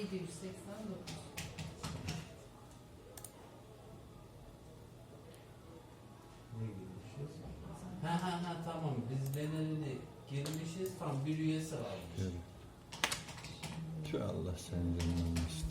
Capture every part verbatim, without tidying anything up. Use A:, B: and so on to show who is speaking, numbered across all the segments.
A: yedi yüz seksen dokuz.
B: Ne girmişiz? Ha ha ha tamam. Biz bedelini girmişiz. Tam bir üyesi varmış.
C: Evet. Şu Allah senin canını almasın.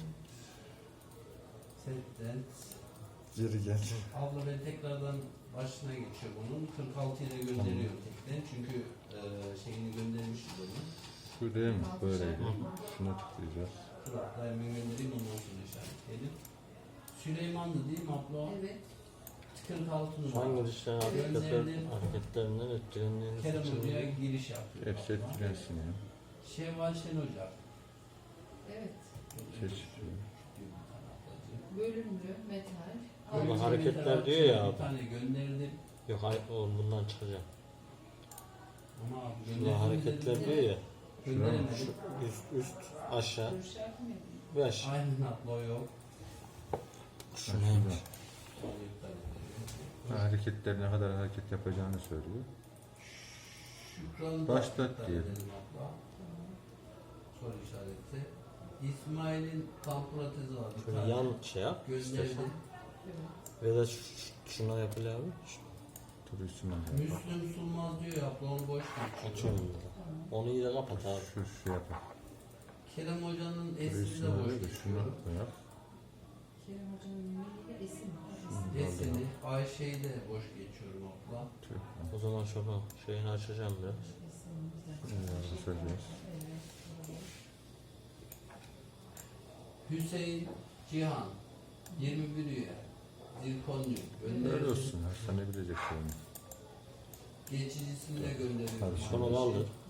B: Setten.
C: Geri geldi.
B: Abla ben tekrardan başına geçiyor bunun. kırk altıya da gönderiyorum tekten. Çünkü e, şeyini göndermişiz onu.
C: Şu değil mi? Böyleydi. Şuna tıklayacağız.
B: Kıratla hemen göndereyim ondan sonra işaretleyelim. Süleymanlı değil mi abla?
A: Evet.
B: kırk altı numara.
D: Hangi dışarı hareketler, hareketlerinden etkilendiğiniz
B: Kerem
D: için
B: Hoca'ya giriş yapıyor.
C: Hepsi etkilensin ya.
B: Şevval Şen Hoca.
A: Evet.
C: Seçiyor.
A: Bölümlü, metal.
D: Ama
B: Bölümlü
D: hareketler
B: metal
D: diyor ya
B: Bir
D: abi.
B: tane gönderdim.
D: yok hayır oğlum bundan çıkacağım.
B: Ama abi
D: Şurada
B: gönderdim
D: hareketler
B: dedim.
D: diyor ya.
B: Gönderemedim.
D: Şu üst üst aşağı
A: Görüş yapmıyor.
D: ve aşağı.
B: Aynen abla o yok.
D: Şu neymiş?
B: Onu iptal ediyorum.
C: Hareketler ne kadar hareket yapacağını söylüyor.
B: Şükran'ı da
C: Başlat
B: iptal
C: diyelim.
B: edelim abla. Soru işareti. İsmail'in tam protezi var. bir
D: Şöyle
B: tane.
D: yan şey yap.
B: Gönderdim.
A: Evet.
D: Ve de ş- ş- şuna yapılıyor abi.
C: Dur üstüne bak.
B: Müslüm Sulmaz diyor ya abla onu boş geçiyor.
D: Açıyorum burada. Onu iyi de kapat abi.
C: Şu şu yapar.
B: Kerem Hoca'nın
C: Dur
B: esini de
C: üstüne
B: boş
C: ver de şunu
B: geçiyor.
C: da yap.
A: Kerem Hoca'nın ünlüyle esim. Esim.
B: Esini, Ayşe'yi de boş geçiyorum abla.
C: Tüh.
D: O zaman şunu şeyini açacağım biraz.
A: Esim güzel.
C: Bunları basacağız.
A: Evet.
B: Hüseyin Cihan yirmi bir üye. Zirkonyum.
C: Öyle
B: Gönderdim.
C: olsun. Hastane bilecek yani.
B: Geçicisini de gönderiyorum.
C: Hadi
D: Şunu da aldır.